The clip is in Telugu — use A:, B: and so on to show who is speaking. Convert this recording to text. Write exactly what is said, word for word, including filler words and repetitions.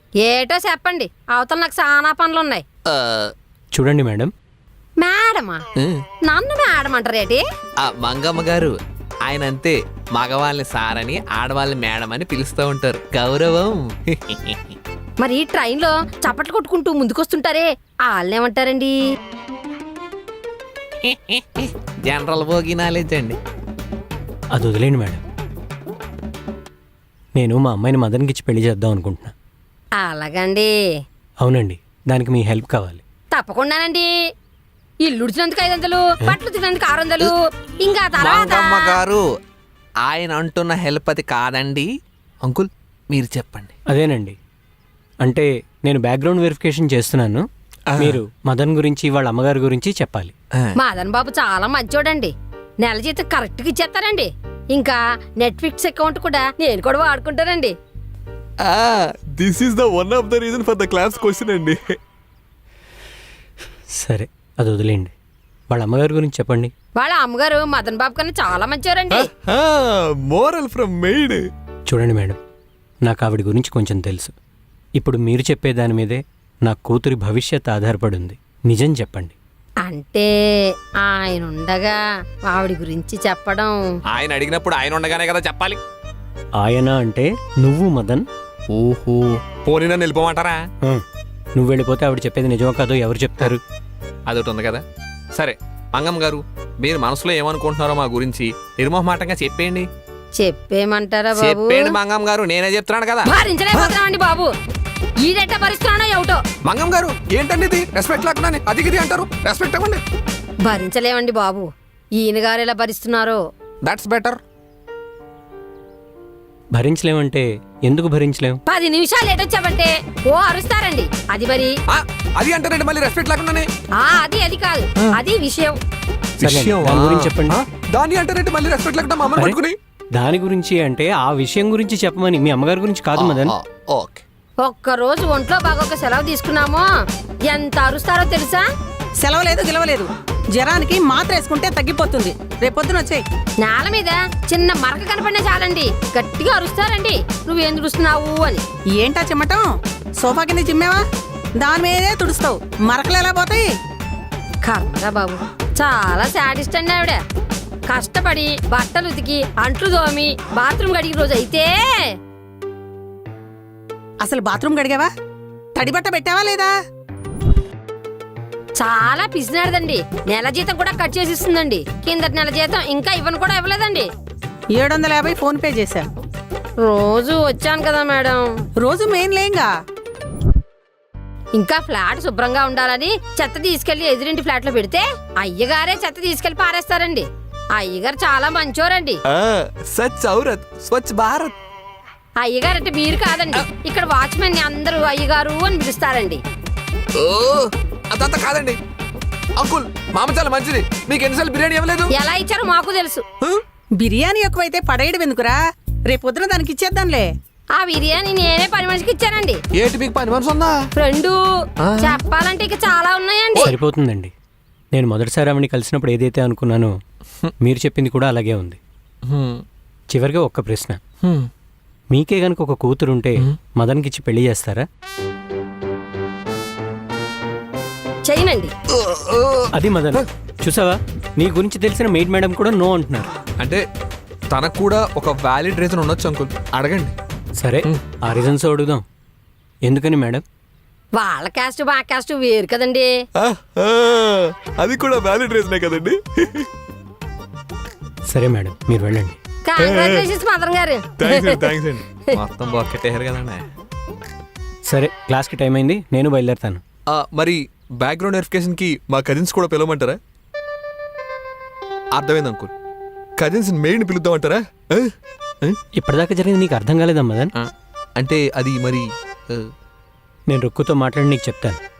A: ఏటో చెప్పండి, అవతల నాకు చాలా పనులు ఉన్నాయి.
B: చూడండి మేడం.
A: మేడమా? నన్ను మేడం అంటారేటి?
C: మంగమ్మ గారు ఆయన అంతే, మగవాళ్ళని సారని ఆడవాళ్ళని మేడం అని పిలుస్తూ ఉంటారు, గౌరవం.
A: మరి ఈ ట్రైన్లో చప్పట్లు కొట్టుకుంటూ ముందుకొస్తుంటారే వాళ్ళేమంటారండి?
C: జనరల్ భోగి నాలెడ్జ్ అండి.
B: అది వదిలేండి మేడం. నేను మా అమ్మాయిని మదన్కి ఇచ్చి పెళ్లి చేద్దాం అనుకుంటున్నా.
A: అలాగండి.
B: అవునండి, దానికి మీ హెల్ప్ కావాలి.
A: తప్పకుండానండి. ఇల్లు ఉడిచినందుకు ఐదు వందలు, బట్టలు తిన్నందుకు ఆరు వందలు, ఇంకా
C: మంగమ్మ గారు ఆయన అంటున్న హెల్ప్ అది కాదండి. అంకుల్ మీరు చెప్పండి.
B: అదేనండి, అంటే నేను బ్యాక్గ్రౌండ్ వెరిఫికేషన్ చేస్తున్నాను. మీరు మదన్ గురించి వాళ్ళ అమ్మగారి గురించి చెప్పాలి.
A: మదన్ బాబు చాలా మంచోడండి. నెల జీతం కరెక్ట్ గా ఇచ్చేస్తారండి. ఇంకా నెట్ఫ్లిక్స్ అకౌంట్ కూడా నేను కూడా వాడుకుంటానండి.
D: This is the one of the reason for the class question అండి.
B: సరే, అది వదిలేండి. వాళ్ళ అమ్మగారి గురించి చెప్పండి.
A: వాళ్ళ అమ్మగారు మదన్ బాబు కన్నా చాలా మంచివారండి.
D: Moral from maid.
B: చూడండి మేడం, నాకు ఆవిడ గురించి కొంచెం తెలుసు. ఇప్పుడు మీరు చెప్పే దాని మీదే నా కూతురి భవిష్యత్ ఆధారపడి ఉంది. నిజం చెప్పండి.
A: అంటే ఆయన ఉండగా ఆవిడ గురించి చెప్పడం.
C: ఆయన అడిగినప్పుడు ఆయన ఉండగానే కదా చెప్పాలి.
B: ఆయన అంటే నువ్వు మదన్.
C: ఓహో, పోనీ నన్ను వెళ్ళిపోమంటారా?
B: నువ్వు వెళ్ళిపోతే ఆవిడ చెప్పేది నిజమో కాదో ఎవరు చెప్తారు?
C: అదొకటి ఉంది కదా. సరే మంగమ్మ గారు, మీరు మనసులో ఏమనుకుంటున్నారో మా గురించి నిర్మోహమాటంగా చెప్పేయండి.
A: చెప్పేమంటారా బాబు?
C: చెప్పేయండి మంగమ్మ గారు, నేనే చెప్తున్నాను కదా.
A: భరించలేకపోతున్నామండి బాబు. ఈడెట్ట భరిస్తున్నానో ఏమిటో.
C: మంగమ్మ గారు ఏంటండి ఇది? రెస్పెక్ట్ లేకుండా అది ఇది అంటారు. రెస్పెక్ట్ ఇవ్వండి.
A: భరించలేమండి బాబు. ఈయన గారు ఎలా భరిస్తున్నారో.
C: That's better.
B: భరించలేమంటే ఎందుకు భరించలేం?
A: పది నిమిషాలు ఏటొచ్చావంటే ఓ అరుస్తారండి. అది మరి
C: అది అంటారండి మళ్ళీ రెస్పెక్ట్ లేకుండానే.
A: ఆ అది అది కాదు, అది విషయం.
B: దాని గురించి చెప్పండి.
C: దాన్ని అంటారంటే మళ్ళీ రెస్పెక్ట్ లేకుండా మమ్మల్ని పట్టుకుని.
B: దాని గురించి అంటే ఆ విషయం గురించి చెప్పమని, మీ అమ్మగారి గురించి కాదు మదన్.
C: ఓకే.
A: ఒక్క రోజు ఒంట్లో బాగోక సెలవు తీసుకున్నామో ఎంత అరుస్తారో తెలుసా?
E: సెలవు లేదు గిలవలేదు, జ్వరానికి మాత్ర వేసుకుంటే తగ్గిపోతుంది. రేపొద్దున వచ్చేయి.
A: నేల మీద చిన్న మరక కనపడినా చాలండి గట్టిగా అరుస్తారండి, నువ్వేం తుడుస్తున్నావు అని.
E: ఏంటా చిమ్మటం? సోఫా కింద చిమ్మేవా? దాని మీదే తుడుస్తావు, మరకలు ఎలా పోతాయి?
A: కర్రా బాబు, చాలా శాడిస్ట్ అండి ఆవిడ. కష్టపడి బట్టలు ఉతికి అంట్లు దోమి బాత్రూమ్ గడికి రోజు అయితే.
E: అసలు బాత్రూమ్ గడిగావా? తడి బట్ట పెట్టావా లేదా?
A: చాలా పిసినాడదండి. నెల జీతం కూడా కట్ చేసి ఇస్తుందండి. కిందటి నెల జీతం ఇంకా ఇవ్వను కూడా ఇవ్వలేదండి.
E: ఏడు వందల యాభై ఫోన్ పే చేశా.
A: రోజు వచ్చాను కదా మేడం.
E: రోజు మెయిన్ లేంగా.
A: ఇంకా ఫ్లాట్ శుభ్రంగా ఉండాలని చెత్త తీసుకెళ్లి ఎదురింటి ఫ్లాట్ లో పెడితే అయ్యగారే చెత్త తీసుకెళ్లి పారేస్తారండి. అయ్యగారు చాలా మంచోరండి.
D: సచ్ ఔరత్ స్వచ్ఛ భారత్.
A: అయ్యగారు అంటే మీరు కాదండి, ఇక్కడ వాచ్మెన్ ని అందరూ అయ్యగారు అని పిలుస్తారండి.
C: అదంతా కాదండి అంకుల్, మామ చాలా మంచిది. మీకు ఎన్నిసార్లు బిర్యానీ ఇవ్వలేదు?
A: ఎలా ఇచ్చారో మాకు తెలుసు.
E: బిర్యానీ ఎక్కువైతే పడేయడం ఎందుకురా? రేపొద్దున దానికి ఇచ్చేద్దాంలే.
A: ఆ బిర్యానీ నేనే పని మనిషికి ఇచ్చానండి.
C: ఏంటి మీకు పని మనసు ఉందా?
A: ఫ్రెండు చెప్పాలంటే ఇక చాలా ఉన్నాయండి.
B: సరిపోతుందండి. నేను మొదటిసారి ఆవిడని కలిసినప్పుడు ఏదైతే అనుకున్నానో మీరు చెప్పింది కూడా అలాగే ఉంది. చివరిగా ఒక్క ప్రశ్న, మీకే గనుక ఒక కూతురుంటే మదన్కి ఇచ్చి పెళ్లి చేస్తారా?
A: చేయనండి.
B: అది మదన్, చూసావా, నీ గురించి తెలిసిన మెయిడ్ మేడం కూడా నో అంటున్నారు.
C: అంటే తనకు కూడా ఒక వ్యాలిడ్ రీజన్ ఉండొచ్చు అంకుల్, అడగండి.
B: సరే, ఆ రీజన్స్ అడుగుదాం. ఎందుకని మేడం?
A: వాళ్ళ క్యాస్ట్ మా క్యాస్ట్ వేరు కదండి.
D: అది కూడా వ్యాలిడ్ రీజనే కదండి.
B: సరే మేడం, మీరు వెళ్ళండి.
A: కంగ్రాచులేషన్స్ మదన్ గారు.
D: థ్యాంక్స్ అండి.
C: మొత్తం బాకెట్టేయారు కదండి.
B: సరే, క్లాస్కి టైం అయింది, నేను బయలుదేరుతాను.
D: మరి బ్యాక్గ్రౌండ్ వెరిఫికేషన్ కి మా కజిన్స్ కూడా పిలవమంటారా? అర్థమైంది అంకుల్, కజిన్స్ మెయిన్ పిలుద్దామంటారా?
B: ఇప్పటిదాకా జరిగింది నీకు అర్థం కాలేదా మదన్?
C: అంటే అది మరి
B: నేను రుక్కుతో మాట్లాడి నీకు చెప్తాను.